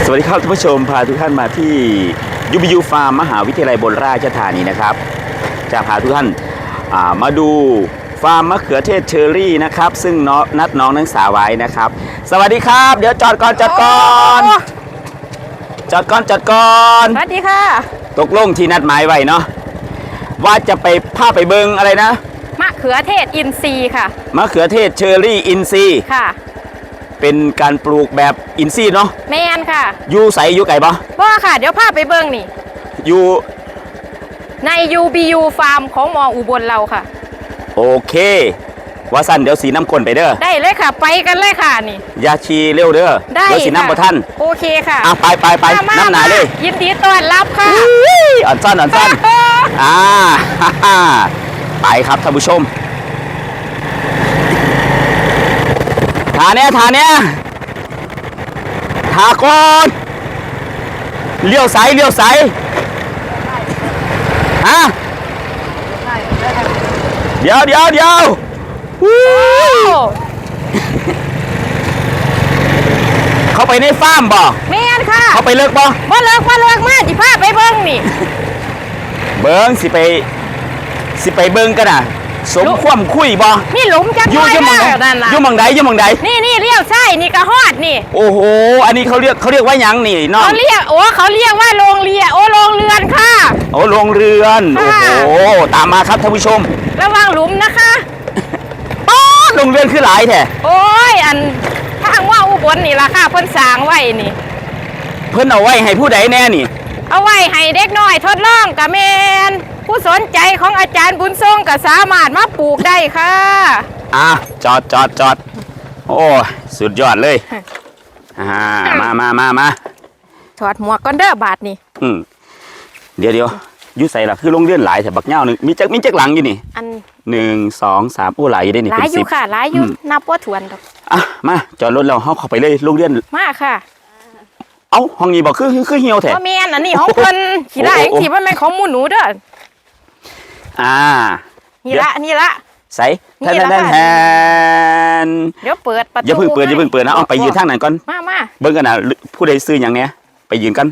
สวัสดีครับท่านผู้ชมพาทุกท่านมาที่UBUฟาร์มมหาวิทยาลัยบนราชธานีนะครับจะพาทุกท่านมาดูฟาร์มมะเขือเทศเชอรี่นะครับซึ่งนัดน้องนักศึกษาไว้นะครับสวัสดีครับเดี๋ยวจอดก่อนสวัสดีค่ะตกลงที่นัดหมายไว้เนาะว่าจะไปพาไปเบิงอะไรนะมะเขือเทศอินทรีย์ค่ะมะเขือเทศเชอรี่อินทรีย์ค่ะเป็นการปลูกแบบอินทรีย์เนาะแมนค่ะอยู่ใสอยู่ไก่ปะว่าค่ะเดี๋ยวพาไปเบิ้งนี่อยู่ใน UBU ฟาร์มของมออุบลเราค่ะโอเคว่าสั้นเดี๋ยวสีน้ำข้นไปเด้อได้เลยค่ะไปกันเลยค่ะนี่ยาชีเร็วเด้อได้เดี๋ยวสีน้ำบ่ท่านโอเคค่ะไปน้ำหนาเลยยินดีต้อนรับค่ะอ่อนสั้นไปครับท่านผู้ชมทาเนี้ยทาก่อนเลี้ยวสายฮะเดี๋ยวเขาไปในฟาร์มบ่แม่นค่ะเขาไปเลิกบ่เลิกมากจิพาไปเบิ้งนี่เบิ้งสิไปเบิ้งกันน่ะสมความคุยบ่นี่หลุมจังเลยยุ่มองใดนี่เลี้ยวใช่นี่กระหอดนี่โอ้โหอันนี้เขาเรียกว่าหยังนี่น้องเขาเรียกว่าโรงเรือนค่ะโรงเรือนโอ้โหตามมาครับท่านผู้ชมระวังหลุมนะคะโรงเรือนคือหลายแท้โอ้ยอันทางว่าอุบลนี่ราคาเพิ่นสร้างไว้นี่เพิ่นเอาไว้ให้ผู้ใดแน่นี่เอาไว้ให้เด็กน้อยทดลองกะแมนผู้สนใจของอาจารย์บุญทรงก็สามารถมาปลูกได้ค่ะจอดโอ้สุดยอดเลยมาถอดหมวกก่อนเด้อบาทนี่เดี๋ยวยุ่ใส่ละคือลงเลื่อนหลายแต่บักเง่าหนึ่งมีจักหลังอยู่นี่อัน 1 2 3โอ้หลายอยู่ได้นี่หลายอยู่ค่ะหลายอยู่นับว่าถวนดอกมาจอดรถเราเข้าไปเลยลงเลื่อนมาค่ะห้องนี้บอกคือเหี่ยวแท้บ่แม่นอันนี้ของเพิ่นขี้ได้ที่มันเป็นของหมู่หนูเด้อนี่ละใส่แทนเดี๋ยวเปิดประตูอย่าเพิ่งเปิดนะเอาไปยืนทางไหนก่อนมาเบิ่งกันนะผู้ใดซื้ออย่างเนี้ยไปยืนกัน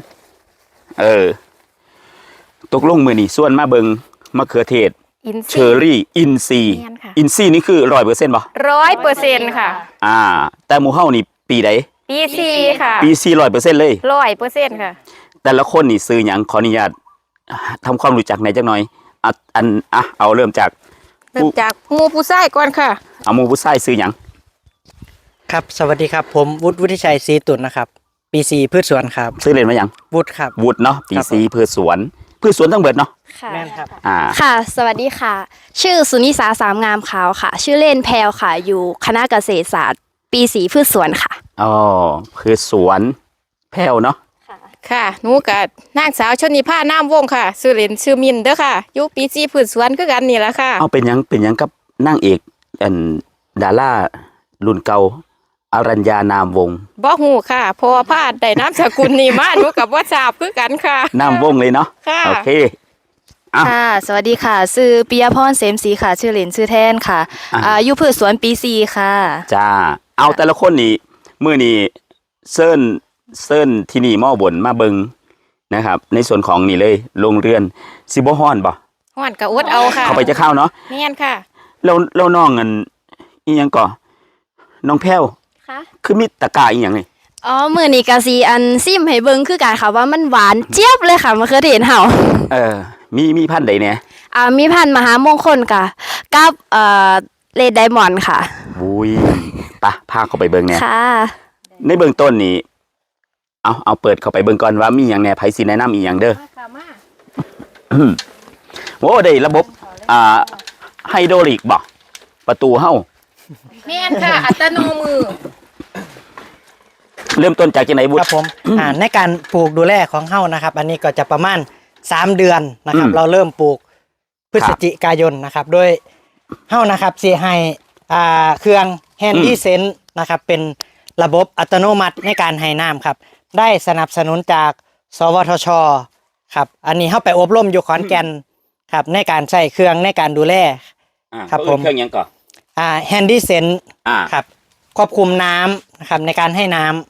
ตกลงมือนี่ส่วนมาเบิ่งมะเขือเทศเชอรี่อินซีนี่คือ100%ป่ะ 100%ค่ะแต่หมู่เฮานี่ปีใดปีซีค่ะปีซี100%เลย 100%ค่ะแต่ละคนนี่ซื้ออย่างขออนุญาตทำความรู้จักในจักหน่อยเอาเริ่มจากหมู่ผู้ชายก่อนค่ะเอาหมู่ผู้ชายซื้ออย่างครับสวัสดีครับผมวุฒิชัยศรีตุลนะครับปีซีพืชสวนครับซื้อเรียนมาอย่างวุฒิครับวุฒิเนาะปีซีพืชสวนทั้งเบิดเนาะค่ะแม่นครับค่ะสวัสดีค่ะชื่อสุนิสาสามงามขาวค่ะชื่อเล่นแพลวค่ะอยู่คณะเกษตรศาสตร์ปี4พืชสวนค่ะพืชสวนแพลวเนาะค่ะหนูกับนางสาวชนิภาน้ำวงค่ะชื่อเล่นชื่อมินเด้อค่ะอยู่ปี4พืชสวนคือกันนี่แหละค่ะเป็นยังกับนางเอกดารารุ่นเก่าอรัญญานามวงบ่ฮู้ค่ะพอพาดได้นามสกุลนี่มาหนูกับว่าทราบคือกันค่ะนามวงเลยเนาะโอเคค่ะสวัสดีค่ะชื่อปิยพรเสมศรีค่ะชื่อเล่นชื่อแทนค่ะอยู่พืชสวนปี4ค่ะจ้าเอาแต่ละคนนี่มื้อนี้เซิร์นที่นี่มอบนมาเบิงนะครับในส่วนของนี่เลยโรงเรือนสิบ่ฮ้อนบ่ฮ้อนก็อดเอาค่ะเข้าไปจะเข้าเนาะแม่นค่ะแล้วน้องอันอีหยังก่อน้องแพ้วค่ะคือมีตะกร้าอีหยังนี่มื้อนี้ก็สิอันซิมให้เบิ่งคือกันค่ะว่ามันหวานเจี๊ยบเลยค่ะมะเขือเทศเฮามีพันธุ์ใดเนี่ยมีพันธุ์มหามงคลค่ะกับเรดไดมอนด์ค่ะอุ้ยพาเข้าไปเบิ่งเนี่ยค่ะในเบื้องต้นนี่เอาเปิดเข้าไปเบิ่งก่อนว่ามีหยังแหน่ไผสิแนะนำอีหยังเด้อโอ้ได้ระบบไฮโดรลิกบ่ประตูเฮาแม่นค่ะอัตโนมือเริ่มต้นจากจังได๋บุครับผมในการปลูกดูแลของเฮานะครับอันนี้ก็จะประมาณ3 เดือนนะครับเราเริ่มปลูกพฤศจิกายนนะครับโดยเฮานะครับสิให้เครื่องแฮนดี้เซนส์นะครับเป็นระบบอัตโนมัติในการให้น้ำครับได้สนับสนุนจากสวทชครับอันนี้เฮาไปอบรมอยู่ขอนแก่นครับในการใช้เครื่องในการดูแลครับผมเครื่องยังก่อนแฮนดี้เซนส์ครับควบคุมน้ำนะครับในการให้น้ำ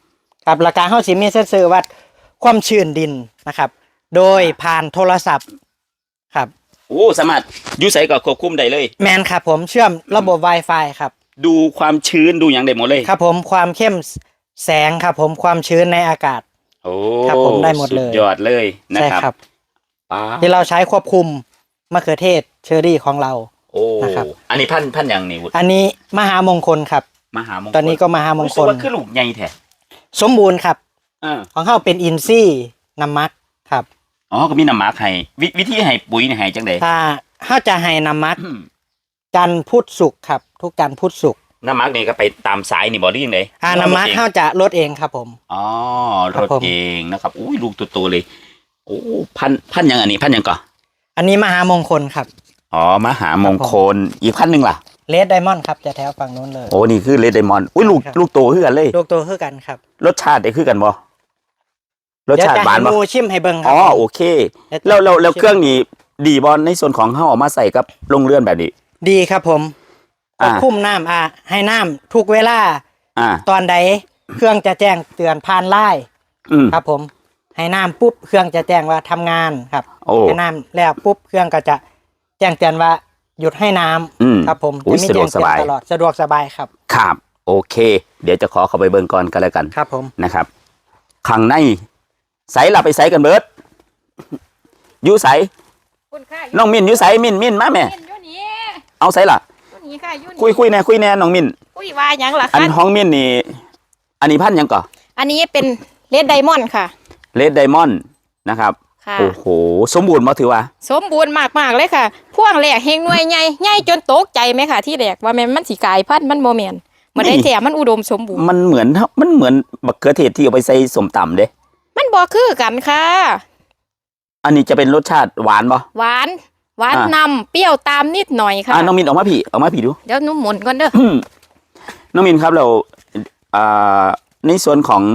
ครับราคาเฮาสิมีเซ็นเซอร์วัดความชื้นดินนะครับ โดยผ่านโทรศัพท์ครับโอ้สามารถอยู่ไสก็ควบคุมได้เลยแมนครับผมเชื่อมระบบ Wi-Fi ครับดูความชื้นดูอย่างได้หมดเลยครับผมความเข้มแสงครับผมความชื้นในอากาศโอ้ครับผมได้หมดเลยสุยอดเลยนะใช่ครับครับป้าที่เราใช้ควบคุมมะเขือเทศเชอรี่ของเราโอ้นะครับอันนี้พันอย่างนี่วุฒิอันนี้มหามงคลครับมหามงคลตอนนี้ก็มหามงรู้คสึกลว่าคือลูกใหญ่แท้สมบูรณ์ครับอ่าของเขาเป็นอินซี่น้ำมักครับอ๋อก็มีน้ำหมักให้วิธีให้ปุ๋ยนี่ให้จังได๋ถ้าเขาจะให้น้ำมักจันทร์พุธศุกร์ครับ ทุกจันทร์พุธศุกร์น้ำหมักนี่ก็ไปตามสายนี่บ่ได้ยังไงน้ำมักเขาจะลดเองครับผมอ๋อครัรบถผมเองนะครับอุ้ยลูกโตๆเลยโอ้พันอย่างอันนี้พันอย่างก่อนอันนี้มหามงคลครับอ๋อมหามงคลอีกพันหนึ่งล่ะเลดไดมอนด์ครับจะแถวฝั่งนู้นเลยโอ้นี่คือเลดไดมอนด์อุ้ยลูกครับลูกโตคือกันเลยลูกโตคือกันครับรสชาติได้คือกันบ่รสเดี๋ยวชาติจะหวานให้บ่หมูชิมให้เบิ่งครัอ๋อผมโอเคเดี๋ยวจะแล้วชิมเครื่องนี้ดีบ่ในส่วนของเฮาเอามาใส่กับโรงเรือนแบบนี้ดีครับผมควอ่าบคุมน้ำให้น้ำทุกเวลาอ่าตอนใดเครื่องจะแจ้งเตือนผ่านไลน์อืมครับผมให้น้ำปุ๊บเครื่องจะแจ้งว่าทำงานครับโอ้ให้น้ำแล้วปุ๊บเครื่องก็จะแจ้งเตือนว่าหยุดให้น้ำอืมครับผมอุ๊ยมีสะดวกแจ้งเตือนสบายตลอดสะดวกสบายครับครับ โอเค เดี๋ยวจะขอเข้าไปเบิ่งก่อนกันแล้วกันครับผมนะครับข้างในใสล่ะไปใสกันเบิดอยู่ใสคุณค่ะน้องมินอยู่ใสมินมาแม่อยู่นี่เอาใสล่ะอยู่นี่ค่ะอยู่นี่คุยแน่น้องมินคุยว่าหยังล่ะอันคะห้องมินนี่อันนี้พันหยังก่ออันนี้เป็นเลดไดมอนด์ค่ะเลดไดมอนด์นะครับค่ะโอ้โหสมบูรณ์บ่ถือว่าสมบูรณ์มากๆเลยค่ะ พ่วงแรกเฮงหน่วยใหญ่ใหญ่จนตกใจไหมค่ะ ที่แรกว่าแม่นมันสิกลายพันธุ์มันโมเมนมันได้แถมมันอุดมสมบูรณ์มันเหมือนบักเขือเทศที่เอาไปใส่สมตำเด้มันบ่คือกันค่ะอันนี้จะเป็นรสชาติหวานบ่หวานอ่านนำเปรี้ยวตามนิดหน่อยค่ะน้องมินออกมาพี่ดูเดี๋ยวหนุ่มหมุนก่อนเด้อน้องมินครับเราอ่าในส่วนของ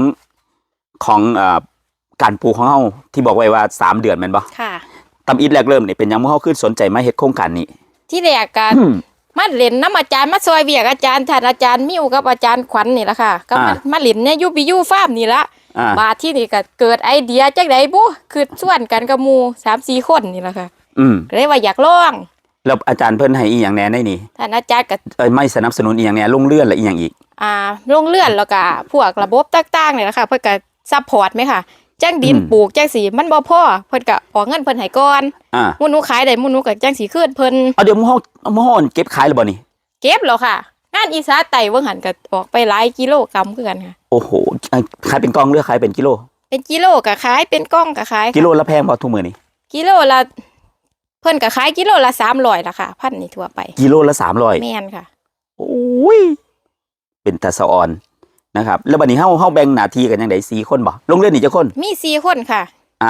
การปลูกของเฮาที่บอกไว้ว่า3 เดือนแม่นบ่ค่ะตำอิดแรกเริ่มนี่เป็นหยังเฮาขึ้นสนใจมาเฮ็ดโครงการนี้ที่แรกกันมาเล่นน้ำอาจารย์มาซอยเวียกอาจารย์ท่านอาจารย์มิวกับอาจารย์ขวัญนี่ละค่ะก็มาเล่นในยูบิยูฟาร์มนี่ละอ่าบาดที่นี่ก็เกิดไอเดียจักไดบุคือส่วนกันกับหมู่3-4 คนนี่ละค่ะอืมก็เลยว่าอยากลองแล้วอาจารย์เพิ่นให้อีหยังแหน่ในนี่ท่านอาจารย์ก็ไม่สนับสนุนอีหยังแหน่ลงเลื่อนและอีหยังอีกลงเลื่อนแล้วก็พวกระบบต่างๆนี่ละค่ะเพิ่นก็ซัพพอร์ตไหมค่ะจังดินอืมปลูกจังสีมันบ่พอเพิ่นก็ออกเงินเพิ่นให้ก่อนอ่าหมู่หนูขายได้หมู่หนูก็จังสิคืนเพิ่นเอาเดี๋ยวหมู่เฮาเก็บขายแล้วบ่นี่เก็บแล้วค่ะงานอีสาไต่เบิ่งหันก็ออกไปหลายกิโลกรัมคือกันค่ะโอ้โหขายเป็นกล่องหรือขายเป็นกิโลเป็นกิโลก็ขายเป็นกล่องก็ขายค่ะกิโลละแพงบ่ทุกมื้อนี้กิโลละเพิ่นก็ขายกิโลละ300ล่ะค่ะพันนี่ทั่วไปกิโลละ300 แม่นค่ะโอ้ยเป็นตาสะออนนะครับ แล้วบัดนี้เฮาแบ่งหน้าที่กันจังได4 คนบ่ลงเรือนนี่จักคนมี4คนค่ะ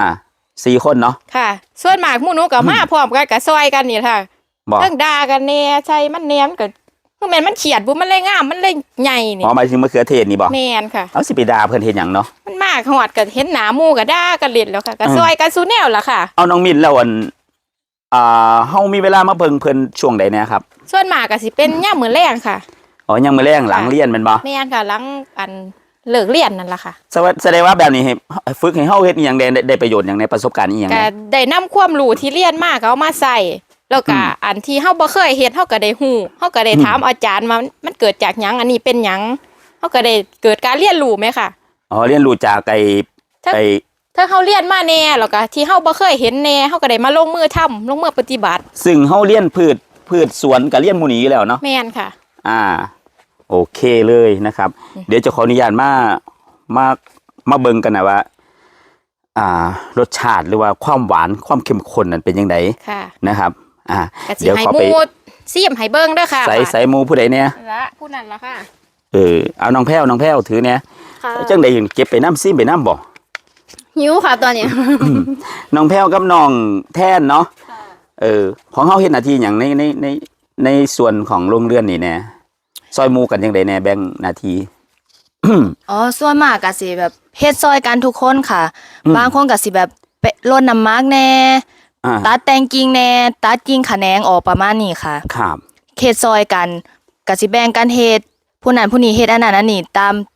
4 คนเนาะค่ะ ส่วนมากหมู่หนูก็มาพร้อมกันก็ซอยกันนี่ค่ะบ่เรื่องด่ากันแน่ใช่มันแหนมก็คือแม่นมันเขียดบุมันเลยงามมันเลยใหญ่นี่อ๋อหมายถึงมะเขือเทศนี่บ่แม่นค่ะเอาสิไปด่าเพิ่นเฮ็ดหยังเนาะมันมากฮอดก็เห็นหน้าหมู่ก็ด่ากันเล่นแล้วค่ะก็อืมซอยกันสู้แนวล่ะค่ะเอาน้องมินแล้วเฮามีเวลามาเบิ่งเพิ่นช่วงใดแหนะครับส่วนมากก็สิเป็นยามมื้อแลงค่ะอ๋อยังมื้อแรงหลังเรียนแม่นบ่แม่นค่ะหลังอันเลิกเรียนนั่นล่ะค่ะแสดงว่าแบบนี้ให้ฝึกให้เฮาเฮ็ดอีหยังได้ประโยชน์หยังในประสบการณ์อีหยังก็แหน่ได้นำความรู้ที่เรียนมาก็เอามาใส่แล้วก็อันที่เฮาบ่เคยเฮ็ดเฮาก็ได้ฮู้เฮาก็ได้ถามอาจารย์ว่ามันเกิดจากหยังอันนี้เป็นหยังเฮาก็ได้เกิดการเรียนรู้ไหมค่ะอ๋อเรียนรู้จากไอ้ถ้าเฮาเรียนมาแน่แล้วก็ที่เฮาบ่เคยเห็นแน่เฮาก็ได้มาลงมือทำลงมือปฏิบัติซึ่งเฮาเรียนพืชสวนก็เรียนหมู่นี้อยู่แล้วเนาะแม่นค่ะโอเคเลยนะครับ เดี๋ยวจะขออนุญาตมาเบิ่งกันนะว่ารสชาติหรือว่าความหวานความเข้มข้นนั้นเป็นยังไงค่ะนะครับก็สิเดี๋ยวให้ขอหไปมู่ซิมให้เบิ่งเด้อค่ะใส่หมูผู้ใดเนี่ยละผู้นั้นล่ะค่ะเอาน้องแพ้วถือเนี่ยค่ะจังใดเก็บไปน้ำซิมไปน้ำบ่หิวค่ะตอนเนี้ยน้องแพ้วกับน้องแท่นเนาะของเฮาเฮ็ดหน้าที่หยังในส่วนของโรงเรือนนี่แน่ซอยหมูกันจังใดแน่แบ่งหน้าที่อ๋อส่วนมากก็สิแบบเฮ็ดซอยกันทุกคนค่ะอืมบางคนก็สิแบบไปรดน้ำหมักแน่อ่าตัดแต่งกิ่งแน่ตัดกิ่งขะแขนงออกประมาณนี้ค่ะครับเฮ็ดซอยกันก็สิแบ่งกันเฮ็ดผู้นั้นผู้นี้เฮ็ดอันนั้นอันนี้ตาม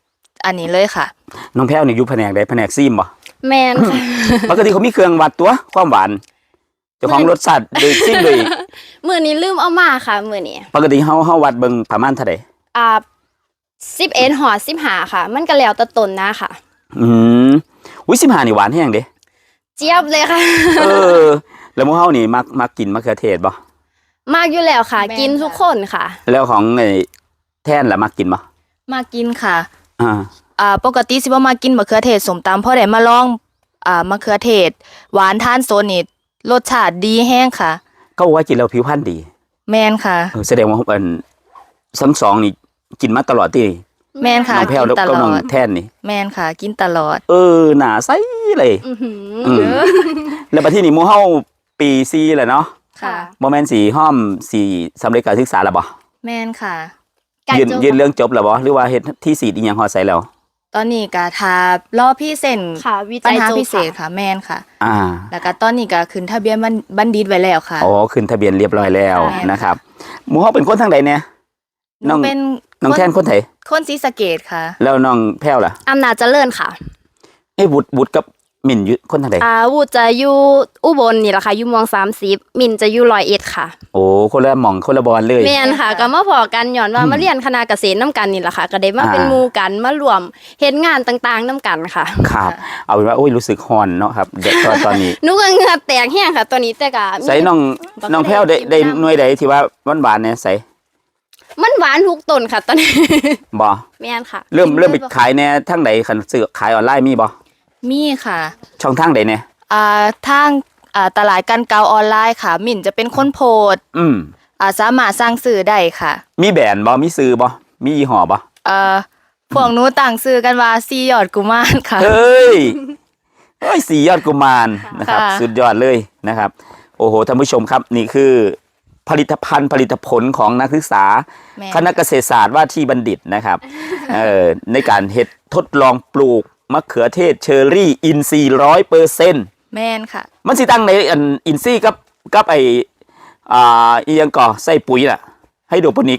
อันนี้เลยค่ะน้องแพ้วนี่อยู่แผนกใดแผนกซีมบ่แมนค่ะปกติเขามีเครื่องวัดตัวความหวานเจ้าของรสชาติโดยซิ่งโดยมือนี้ลืมเอามาค่ะมือนี้ปกติเฮาวัดเบิ่งประมาณเท่าใด 11 หอ15ค่ะ มันก็แล้วแต่ต้นนะค่ะอืมอุ้ย15นี่หวานแฮงเด้เจี๊ยบเลยค่ะเออแล้วหมู่เฮานี่มักกินมะเขือเทศบ่มากอยู่แล้วค่ะแม่นกินทุกคนค่ะแล้วของไอ้แท่นล่ะมักกินบ่มากินค่ะอ่าปกติสิบ่มากินมะเขือเทศสมตำเพราะได้มาลองมะเขือเทศ หวานทานโซนนี่รสชาติดีแห้งค่ะเขาบอกว่ากินแล้วผิวพรรณดีแมนค่ะแสดงว่าทั้งสองนี่กินมาตลอดที่แมนค่ะน้องแพ้วกิแล้วนตก็ลน้อองดแท่นนี่แมนค่ะ กินตลอดหน้าใสเลยอื้อหืออืมแล้วบัดที่นี่หมู่เฮาปี4แล้วเนาะค่ะบ่แม่นสิห้อมสิสำเร็จการศึกษาแล้วบ่แมนค่ะไก่ยืนโจ๊กยืนเรื่องจบแล้วบ่หรือว่าเฮ็ดที่สีดอีหยังฮอดใส่แล้วตอนนี้ก็ทารอพี่เส้นค่ะวิปัจัญยหาโจ๊พิกเศษค่ะค่ะ แมนค่ะอ่าแล้วก็ตอนนี้ก็ขึ้นทะเบียนบัณฑิตไว้แล้วค่ะอ๋อขึ้นทะเบียนเรียบร้อยแล้วใช่ค่ะนะครับหมู่เฮาเป็นคนทางใดเนี่ยหนูเป็นน้องแท่นคนไทยคนศรีสะเกษค่ะแล้วน้องแพ้วล่ะอำนาจเจริญค่ะวุฒิกับหมิ่นอยู่คนทางใดวูดจะอยู่อุบลนี่แหละค่ะอยู่เมอง30มินจะอยู่101ค่ะโอ้คนละหม่องคนละบอลเลยแม่นค่ะก็มาพอกันย้อนว่ามาเรียนคณะเกษตรน้ำกันนี่แหละค่ะ ก็ได้มาเป็นหมู่กันมารวมเฮ็ดงานต่างๆน้ำกันค่ะครับ เอาเป็นว่าโอ้ยรู้สึกฮอนเนาะครับเด็กตอนนี้หนูก็เหงื่อแตกแห้งค่ะ ตัวนี้แต่ก็มีใส่น้องแพ้วได้หน่วยใดที่ว่าหวานๆเนี่ยใส่มันหวานทุกต้นค่ะตอนนี้บ่แม่นค่ะเริ่มไปขายแน่ทางใดคันซื้อขายออนไลน์มีบ่มีค่ะช่องทางใดเนี่ยทางตลาดกันเกาออนไลน์ค่ะ มิ่นจะเป็นคนโพสต์อืมสามารถสร้างสื่อได้ค่ะมีแบรนด์บ่มีซื้อบ่มียี่ห้อบ่พวกหนูต่างซื้อกันว่าซียอดกุมารค่ะเฮ้ยสียอดกุมารนะครับค่ะสุดยอดเลยนะครับ โอ้โหท่านผู้ชมครับนี่คือผลิตภัณฑ์ผลิตผลของนักศึกษาแม่คณะเกษตรศาสตร์ว่าที่บัณฑิตนะครับ ในการทดลองปลูกมะเขือเทศเชอร์รี่อินทรีย์100% แม่นค่ะมันสิตั้งในอินทรีย์กับไออีหยังก่อใส่ปุ๋ยน่ะให้โดโปนิก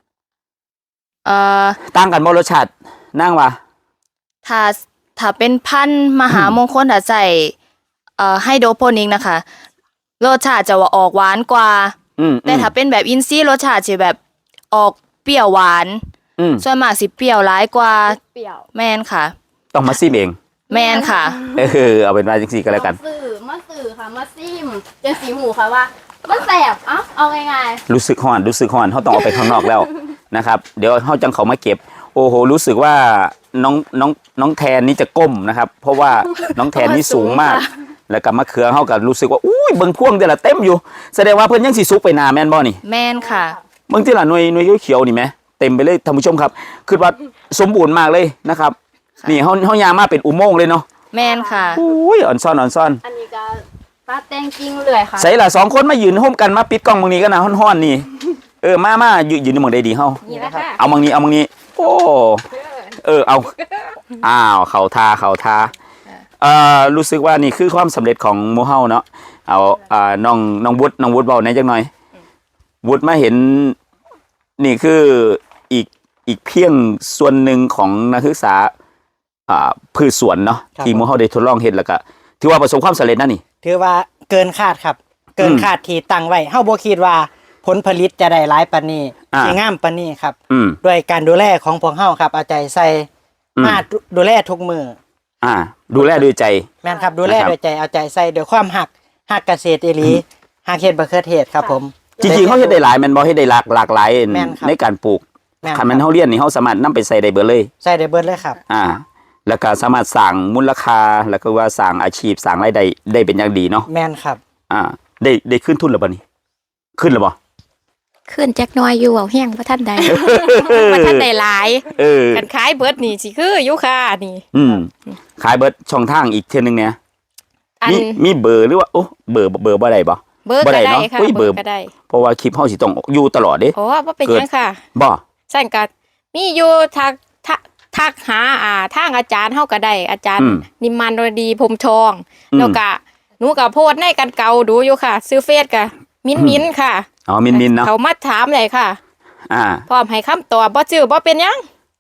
ตั้งกันบ่รสชาตินั่งว่าถ้าเป็นพันธุ์มหามงคลถ้าใส่ไฮโดรโปนิกนะคะรสชาติจะว่าออกหวานกว่า แต่ถ้าเป็นแบบอินทรีย์รสชาติจะแบบออกเปรี้ยวหวาน ส่วนมากสิเปรี้ยวร้ายกว่าเปรี้ยวแม่นค่ะต้องมาซิมเองแม่นค่ะเอาเป็นว่าจังซี่ก็แล้วกันมาสื่อค่ะมาซิมจังสีหูค่ะว่ามันแสบเอาง่ายรู้สึกฮ้อนเขาต้องออกไปข้างนอกแล้ว นะครับ เดี๋ยวเขาจังเขามาเก็บ โอ้โหรู้สึกว่าน้องแทนนี่จะก้มนะครับ เพราะว่าน้องแทนนี่สูงมาก แล้วก็มะเขือเขาก็รู้สึกว่าอุ้ยเบิ่งพ่วงเดี๋ยวละเต็มอยู่แสดงว่าเพิ่นยังสิสุกไปหนาแม่นบ่นี่แม่นค่ะเบิ่งที่ละหน่วยเขียวๆนี่แหมเต็มไปเลยท่านผู้ชมครับคือว่าสมบูรณ์มากเลยนะครับ นี่เขายางมาเป็นอุโมงค์เลยเนาะแม่นค่ะอุ้ยอ่อนซ่อนๆอันนี้ก็ตัดแต่งกิ่งเลยค่ะใส่ละสองคนมายืนร่วมกันมาปิดกล้องบางนี้กันนะฮ้อนๆนี่มายืนในหมองใดดีเฮานี่แหละค่ะเอาบางนี้โอ้เอาอ้าวเขาทารู้สึกว่านี่คือความสำเร็จของหมู่เฮาเนาะเอาน้องวุฒิเบาหน่อยจังหน่อยวุฒิมาเห็นนี่คืออีกเพียงส่วนหนึ่งของนักศึกษาพืชสวนเนาะครับที่หมู่เฮาได้ทดลองเฮ็ดแล้วก็ถือว่าประสบความสำเร็จนะนี่ถือว่าเกินคาดครับ เกินคาดที่ตั้งไว้เฮาบ่คิดว่าผลผลิตจะได้หลายปานนี้อ่าสิงามปานนี้ครับอืมด้วยการดูแลของพวกเฮาครับเอาใจใส่อืมมาดูแลทุกมือดูแลด้วยใจแม่นครับดูแลนะครับด้วยใจเอาใจใส่ด้วยความหักเกษตรอีหลีหักเฮ็ดบักเขือเทศครับผมจริงๆเขาเฮ็ดได้หลายแม่นบ่เฮ็ดได้หลากหลายแม่นครับในการปลูกแม่นคันแม่นครับเฮาเรียนนี่เฮาสามารถนำไปใส่ได้เบิดเลยใส่ได้เบิดเลยครับแล้วก็สามารถสร้างมูลค่าแล้วก็ว่าสร้างอาชีพสร้างรายได้ได้เป็นอย่างดีเนาะแม่นครับได้ขึ้นทุนหรือบ่นี่ขึ้นหรือบ่ขึ้นจักหน้อยอยู่เอาแห้งบ่ทันใด บ่ทันได้หลาย กันขายเบิดนี่สิคืออยู่ค่ะนี่ขายเบิดช่องทางอีกเทื่อนึงเนี่ยอันมีเบอร์หรือว่าโอ้เบอร์บ่ได้บ่เบิดบ่ก็ได้ได้เนาะค่ะอุ้ยเบิเบิดดก็ได้เพราะว่าคลิปเฮาสิต้องอยู่ตลอดเด้โอ้บ่เป็นหยังค่ะบ่สั่นก็มีอยู่ทักหาทางอาจารย์เฮาก็ได้อาจารย์นิมมานรดีพรหมทองแล้วก็หนูก็โพสต์ในกันเก่าดูอยู่ค่ะ ซื้อเฟซก็มิ้นค่ะอ๋อมินเนาะเขามาถามเลยค่ะอ่าพร้อมให้คำตอบบ่จื้อบ่เป็นหยัง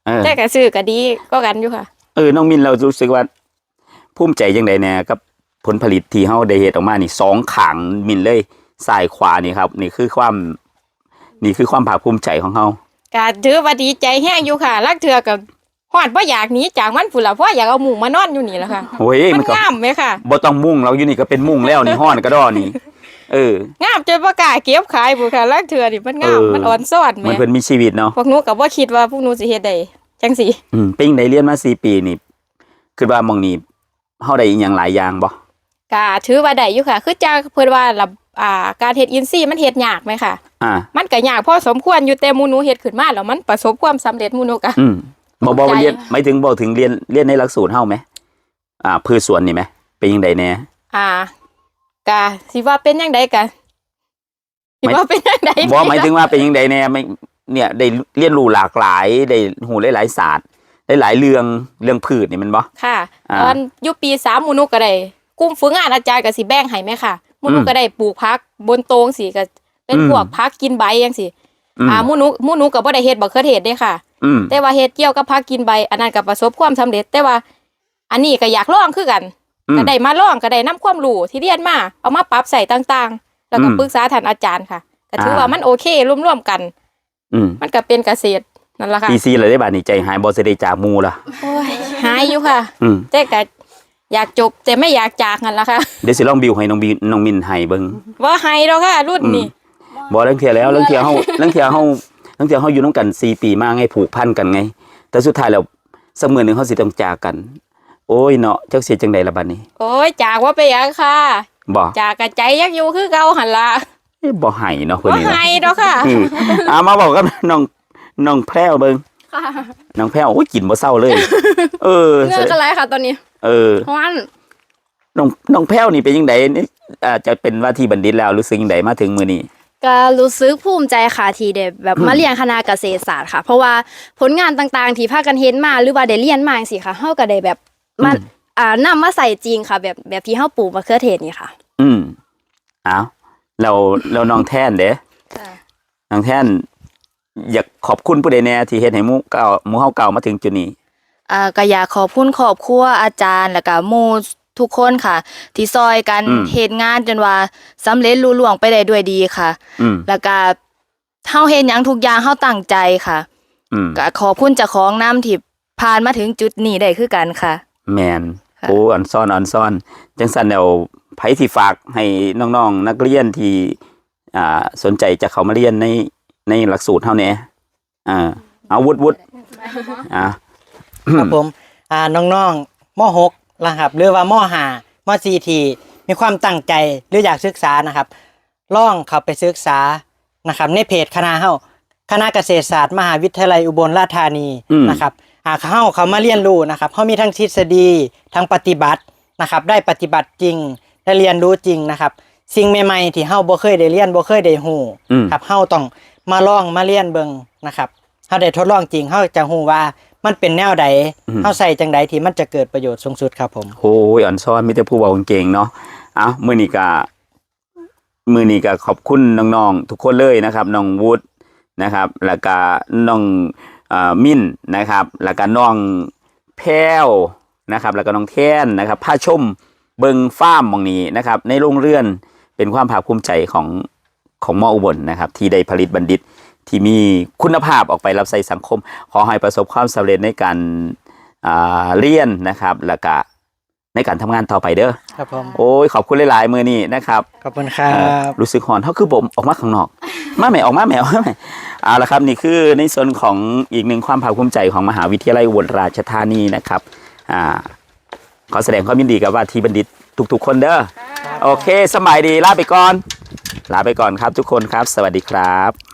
แต่ก็ซื้อก็ดีก็กันอยู่ค่ะน้องมินเรารู้สึกว่าภูมิใจจังไดแน่กับผลผลิตที่เฮาได้เฮ็ดออกมานี่2ข้างมินเลยซ้ายขวานี่ครับนี่คือความภาคภูมิใจของเฮาก็ถือว่าดีใจแห้งอยู่ค่ะลักเทือกับฮอดบ่อยากหนีจากมันพุ่นล่ะเพราะอยากเอาหมูมานอนอยู่นี่แหละค่ะโอ้ยมัมันนก็งามไหมค่ะบ่ต้องมุ่งเราอยู่นี่ก็เป็นมุ่งแล้วนี่ฮ้อนกระดอนี่งามจนบ่กล้าเก็บขายพุ่นค่ะลักเทือนี่มันงามมันอ่อนซ่อนแหมันมเพิ่นมีชีวิตเนาะพวกหนูก็บ่คิดว่าพวกหนูสิเฮ็ดได้จังซี่ปิ้งได้เรียนมา4ปีนี่คิดว่าหม่องนี้เฮาได้อีหยังหลายอย่างบ่ก็ถือว่าได้อยู่ค่ะ คือจังเพิ่นว่าระการเฮ็ดอินทรีย์มันเฮ็ดยากไหมค่ะ มันก็ยากพอสมควรอยู่แต่หมู่หนูเฮ็ดขึ้นมาแล้วมันประสบความสำเร็จหมู่หนูก็บ่ว่าเรียนหมายถึงบ่ถึงเรียนในหลักสูตรเฮาไหมพืชสวนนี่ไหมเป็นจังไดแน่ก็สิว่าเป็นจังไดก็สิว่าเป็นจังไดบ่หมายถึงว่าเป็นจังไดแน่ไม่เนี่ยได้เรียนรู้หลากหลายได้ฮู้หลายๆศาสตร์ได้หลายเรื่องพืชนี่แม่นบ่ค่ะตอนอยู่ปี3หมู่หนูก็ได้กลุ่มฝึกงานอาจารย์ก็สิแบ่งให้แม่ค่ะหมู่หนูก็ได้ปลูกผักบนโตงสิก็เป็นพวกผักกินใบจังซี่หมู่หนูก็บ่ได้เฮ็ดบักเขือเทศเด้ค่ะแต่ว่าเฮ็ดเกี่ยวกับผักกินใบอันนั้นก็ประสบความสำเร็จแต่ว่าอันนี้ก็อยากลองคือกันก็ได้มาลองก็ได้นำความรู้ที่เรียนมาเอามาปรับใส่ต่างๆแล้วก็ปรึกษาท่านอาจารย์ค่ะก็ถือว่ามันโอเคร่วมๆกันมันก็เป็นเกษตรนั่นล่ะค่ะปี4เลยได้บาดนี้ใจหายบ่สิได้จากหมู่ล่ะโอ้ยหายอยู่ค่ะแต่ก็อยากจบแต่ไม่อยากจากนั่นล่ะค่ะเดี๋ยวสิลองบิวให้น้องมินให้เบิ่งบ่ให้ดอกค่ะรุ่นนี้บ่เรื่องเที่ยแล้วเรื่องเที่ยเฮาอยู่นำกัน4ปีมาไงผูกพันกันไงแต่สุดท้ายแล้วสักมื้อนึงเฮาสิต้องจากกัน โอ้ยเนาะจักสิจังได๋ล่ะบัดนี้โอ้ยจากว่าไปหยังค่ะบ่จากกะใจยักอยู่คือเก่าหั่นล่ะบ่ให้เนาะเพิ่นบ่นี่ให้ดอกค่ะมาบอกกับน้องแพรวเบิ่งค่ะน้องแพรวโอ้ยกินบ่เศร้าเลยเงื่อนอะไรค่ะตอนนี้เพราะว่าน้องแพรวนี่เป็นจังไดนี่จะเป็นว่าที่บัณฑิตแล้วรู้สึกจังไดมาถึงมื้อนี้ก็รู้สึกภูมิใจค่ะที่ได้แบบมาเรียนคณะเกษตรศาสตร์ค่ะ เพราะว่าผลงานต่างๆที่พากันเฮ็ดมาหรือว่าได้เรียนมาจังซี่ค่ะเฮาก็ได้แบบมานำมาใส่จริงค่ะแบบที่เฮาปลูกมะเขือเทศนี่ค่ะอ้าวแล้วน้องแท่นเด้น้องแท่นอยากขอบคุณผู้ใดแน่ที่เฮ็ดให้หมู่เฮาเก่ามาถึงจุดนี้ก็อยากขอบคุณครอบครัวอาจารย์แล้วก็หมู่ทุกคนค่ะที่ซอยกันเฮ็ดงานจนว่าสำเร็จลุล่วงไปได้ด้วยดีค่ะแล้วก็เฮาเฮ็ดหยังทุกอย่างเฮาตั้งใจค่ะก็ขอบคุณเจ้าของนำที่ผ่านมาถึงจุดนี้ได้คือกันค่ะแม่นโอ้อ่อนซ่อนจังซั่นแล้วไผสิฝากให้น้องๆนักเรียนที่สนใจจะเข้ามาเรียนในหลักสูตรเฮาแหน่เอาวุฒิครับผมน้องๆม.6นะครับหรือว่าม.5ม.4ที่มีความตั้งใจหรืออยากศึกษานะครับลองเข้าไปศึกษานะครับในเพจคณะเฮาคณะเกษตรศาสตร์มหาวิทยาลัยอุบลราชธานีนะครับเขามาเรียนรู้นะครับเขามีทั้งทฤษฎีทั้งปฏิบัตินะครับได้ปฏิบัติจริงได้เรียนรู้จริงนะครับสิ่งใหม่ๆที่เฮาบ่เคยได้เรียนบ่เคยได้ฮู้ครับเฮาต้องมาลองมาเรียนเบิ่งนะครับเฮาได้ทดลองจริงเฮาจะฮู้ว่ามันเป็นแนวใดเฮาใส่จังไดที่มันจะเกิดประโยชน์สูงสุดครับผมโอ้ยอ่อนซ้อนมีแต่ผู้เว้าเก่งเนาะมื้อนี้ก็ขอบคุณน้องๆทุกคนเลยนะครับน้องวุฒินะครับแล้วก็น้องมิ้นนะครับแล้วก็น้องแพรวนะครับแล้วก็น้องแท่นนะครับพาชมเบิงฟาร์มหม่องนี้นะครับในโรงเรือนเป็นความภาคภูมิใจของม.อุบลนะครับที่ได้ผลิตบัณฑิตที่มีคุณภาพออกไปรับใช้สังคมขอให้ประสบความสำเร็จในการเรียนนะครับแล้วก็ในการทำงานต่อไปเด้อครับผมโอ้ยขอบคุณหลายๆมื้อนี้นะครับขอบคุณครับรู้สึกหอนเฮาคือบ่ออกมาข้างนอกมาแม่ออกมาเอาละครับนี่คือในส่วนของอีกหนึ่งความภาคภูมิใจของมหาวิทยาลัยอุบลราชธานีนะครับขอแสดงความยินดีกับว่าที่บัณฑิตทุกๆคนเด้อโอเคสบายดีลาไปก่อนครับทุกคนครับสวัสดีครับ